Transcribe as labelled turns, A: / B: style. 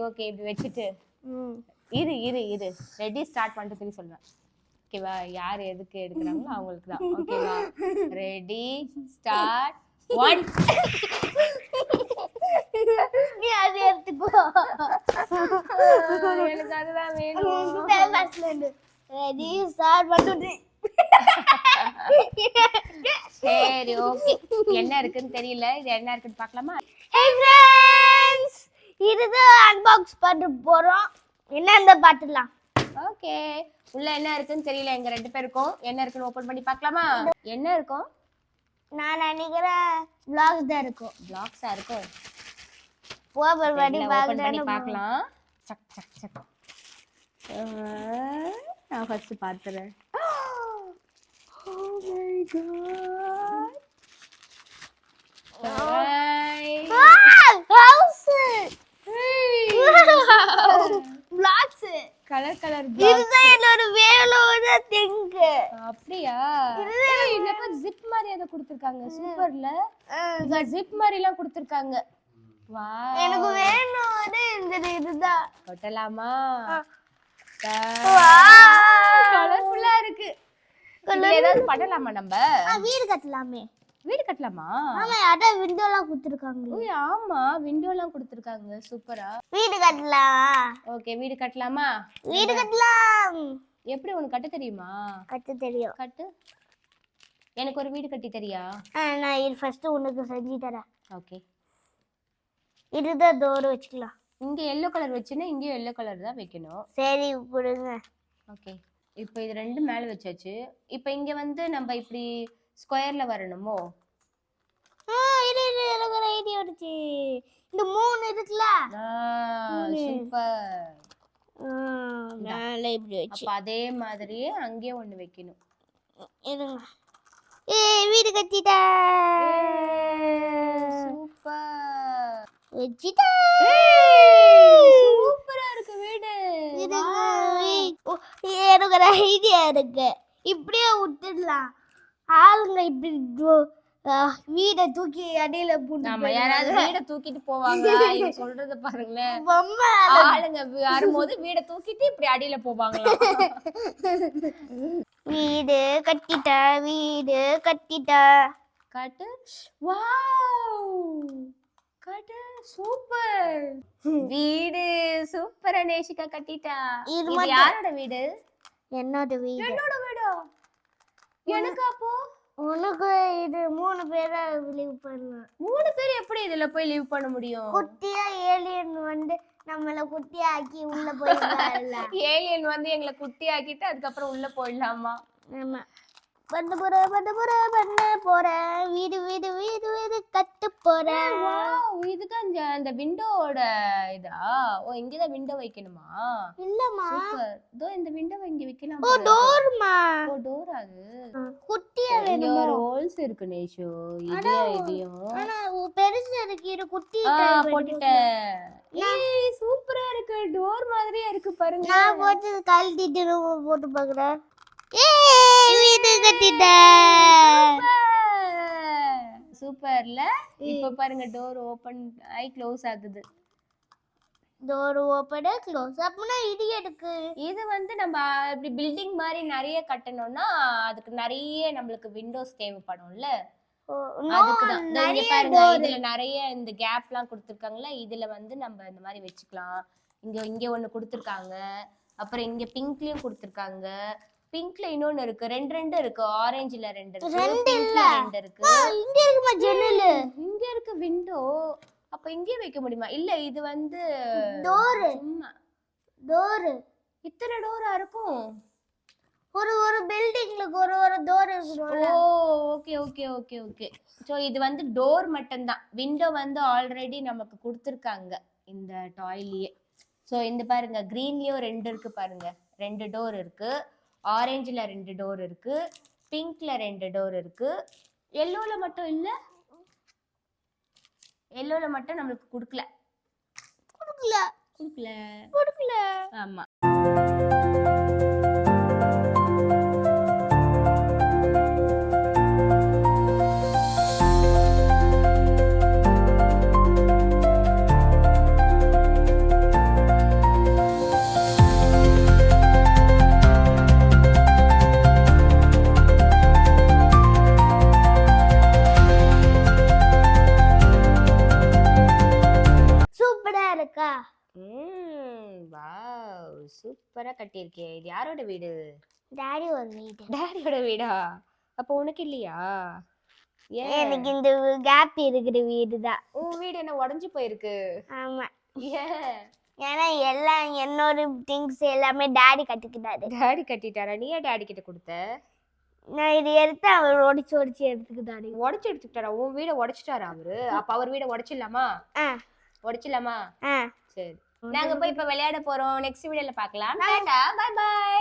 A: Okay இப்படி வச்சுட்டு இரு இரு இரு ரெடி ஸ்டார்ட் பண்ணிட்டு திரும்பி சொல்லுவேன் ஓகேவா யார் எதுக்கு எடுக்கிறாங்களோ அவங்களுக்கு தான் ஓகேவா ரெடி ஸ்டார்ட் 1
B: நீ அது எடுத்துக்கோ
A: எனக்கு அதுதான் வேணும்
B: ரெடி ஸ்டார்ட் பண்ணிட்டு
A: சரி ஓகே என்ன இருக்குன்னு தெரியல இது என்ன இருக்குன்னு பார்க்கலாமா
B: ஹே ஃப்ரெண்ட்ஸ் இதுதான் அன்பாக்ஸ் பண்ண போறோம் என்னன்னு பார்த்துடலாம்
A: ஓகே உள்ள என்ன இருக்குன்னு தெரியல எங்க ரெண்டு பேருக்கும் என்ன இருக்குன்னு ஓபன் பண்ணி பார்க்கலாமா என்ன இருக்கும்
B: நான் நினைக்கிறேன் vlogs தான் இருக்கும்
A: பிளாக்ஸா இருக்கும்
B: ஓபன் பண்ணி
A: ஓபன் பண்ணி பார்க்கலாம் சக் சக் சக் நான் ஃபர்ஸ்ட் பாத்துறேன் Oh my god
B: house vlogs
A: colour colour
B: இதுதான் என்னோட வேலோட திங்க்
A: அப்படியா என்னப்பா ஜிப் மாதிரி அத கொடுத்திருக்காங்க சூப்பர்ல இந்த ஜிப் மாதிரி எல்லாம் கொடுத்திருக்காங்க வாவ்
B: எனக்கு வேணும் இந்த இதுதான்
A: கொட்டலாமா
B: வாவ்
A: கலர்ஃபுல்லா இருக்கு இதுல ஏதாவது பண்ணலாமா நம்ம
B: வீடு கட்டலாமே
A: வீடு கட்டலாமா
B: ஆமா அட விண்டோலாம் கொடுத்திருக்காங்க
A: ஓய் ஆமா விண்டோலாம் கொடுத்திருக்காங்க சூப்பரா
B: வீடு கட்டலாம்
A: ஓகே வீடு கட்டலாமா
B: வீடு கட்டலாம்
A: எப்படி உனக்கு கட்ட தெரியுமா
B: கட்ட தெரியும்
A: கட்டு எனக்கு ஒரு வீடு கட்டி தெரியா
B: நான் இது ஃபர்ஸ்ட் உனக்கு செஞ்சு தரேன்
A: ஓகே
B: இதுதான் டோர் வச்சுக்கலாம்
A: இங்க yellow கலர் வச்சினா இங்க yellow கலர் தான் வைக்கணும்
B: சரி கொடுங்க
A: ஓகே இப்போ இது ரெண்டு மேல வச்சாச்சு இப்போ இங்க வந்து நம்ம இப்படி ஸ்கொயர்ல வரணுமோ
B: இது எனக்கு ஒரு ஐடியா வந்துச்சு இந்த மூணு இருக்குல
A: சூப்பர்
B: மேல இப்படி வச்சு
A: அப்ப அதே மாதிரியே அங்கே ஒன்னு வைக்கணும்
B: இருங்க வீடு கட்டிட்டா
A: சூப்பர்
B: வச்சிட்டா
A: சூப்பரா இருக்கு வீடு
B: எனக்கு ஒரு ஐடியா இருக்கு இப்படியே விட்டுடலாம் ஆளுங்க இப்படி வீட தூக்கி அடியில
A: நம்ம யாராவது வீட தூக்கிட்டு போவாங்க நீங்க சொல்றத பாருங்களேன்
B: பொம்மை
A: ஆளுங்க வரும்போது வீட தூக்கிட்டு இப்படி அடியில போவாங்களா
B: வீடு கட்டிட்டா வீடு கட்டிட்டா
A: காட்டு வாவ் காட்டு சூப்பர் வீடு சூப்பரா நேஷிகா கட்டிட்டா இது யாரோட வீடு
B: என்னோட வீடு
A: என்னோட வீடா எனக்கு அப்போ
B: உனக்கு இது 3 பேரா லீவ் பண்ணலாம்
A: 3 பேர் எப்படி இதுல போய் லீவ் பண்ண முடியும்
B: குட்டியா ஏலியன் வந்து நம்மள குட்டியா ஆக்கி உள்ள போயிடலாம்ல
A: ஏலியன் வந்து எங்களை குட்டி ஆக்கிட்டு அதுக்கு அப்புறம் உள்ள போயிடலாமா
B: ஆமா பண்ண போறேன் வீடு வீடு வீடு வீடு கட்ட போறேன்
A: வாவ் இதுதான் அந்த விண்டோவோட இதா ஓ இங்க தான் விண்டோ வைக்கணுமா
B: இல்லம்மா
A: சூப்பர் தோ இந்த விண்டோவை இங்க வைக்கலாம்
B: ஓ டோர்மா
A: ஓ டோர் அது
B: குட்டியா
A: இங்க ஒரு ஹோல்ஸ் இருக்கு நேஷோ இதையும்
B: ஆனா பெருசு இருக்கு இது குட்டி
A: போட்டுட்டேன் ஏய் சூப்பரா இருக்கு டோர் மாதிரியே இருக்கு பாருங்க
B: நான் போட்டு கழட்டிட்டு போட்டு பார்க்கறேன் ஏய் வீடு கட்டிட்டேன்
A: சூப்பர்ல இப்போ பாருங்க டோர் ஓபன் ஆயி க்ளோஸ் ஆகுது
B: டோர் ஓபன் க்ளோஸ் அப்பனா இது எதுக்கு
A: இது வந்து நம்ம இப்படி பில்டிங் மாதிரி நிறைய கட்டணும்னா அதுக்கு நிறைய நம்மளுக்கு விண்டோஸ் தேவைப்படும்ல அதுக்குதான் இங்க பாருங்க இதுல நிறைய இந்த கேப்லாம் கொடுத்திருக்காங்கல இதுல வந்து நம்ம இந்த மாதிரி வெச்சுக்கலாம் இங்க ஒன்னு கொடுத்திருக்காங்க அப்புறம் இங்க பிங்க்லயும் கொடுத்திருக்காங்க பிங்க்ல இன்னொன்னு இருக்கு ரெண்டு இருக்கு ஆரஞ்சுல ரெண்டு இருக்கு பிங்க்ல ரெண்டு இருக்கு
B: இங்க இருக்குமா ஜன்னல்
A: இங்க இருக்கு விண்டோ அப்ப இங்கே வைக்க முடியுமா இல்ல இது வந்து
B: டோர்
A: சும்மா
B: டோர்
A: இத்தனை டோரா இருக்கும்
B: ஒரு பில்டிங்ல ஒரு டோர் இருக்கு
A: oh okay okay okay okay so இது வந்து டோர் மட்டும் தான் விண்டோ வந்து ஆல்ரெடி நமக்கு கொடுத்திருக்காங்க இந்த டாய்லயே சோ இந்த பாருங்க கிரீன்லயும் ரெண்டு இருக்கு பாருங்க ரெண்டு டோர் இருக்கு ஆரஞ்சுல ரெண்டு டோர் இருக்கு பிங்க்ல ரெண்டு டோர் இருக்கு yellowல மட்டும் இல்ல yellowல மட்டும் நமக்கு கொடுக்கல ஆமா வாவ் சூப்பரா கட்டியிருக்கே. இது யாரோட வீடு?
B: டாடி ஒரு வீடு.
A: டாடியோட வீடா? அப்போ உனக்கு இல்லையா? ஏன்
B: எனக்கு இந்த கேப் இருக்கிற வீடு தான்.
A: உன் வீடு என்ன உடைஞ்சு போயிருக்கு?
B: ஆமா,
A: ஏன்
B: ஏன்னா எல்லாம் என்னோட திங்ஸ் எல்லாமே டாடி கட்டிக்கிட்டாரு.
A: டாடி கட்டிட்டாரா? நீ ஏன் டாடி கிட்ட கொடுத்த?
B: நான் இது எடுத்து அவர் ஒடிச்சு எடுத்துக்கிட்டாரு.
A: உடைச்சு எடுத்துக்கிட்டாரா? உன் வீட உடைச்சிட்டாரா அவரு? அப்ப அவர் வீட உடைச்சிடலாமா? உடைச்சிடலாமா?
B: ஆ
A: சரி, நாங்க போய் இப்ப விளையாட போறோம். நெக்ஸ்ட் வீடியோல பார்க்கலாம். Tata, bye by.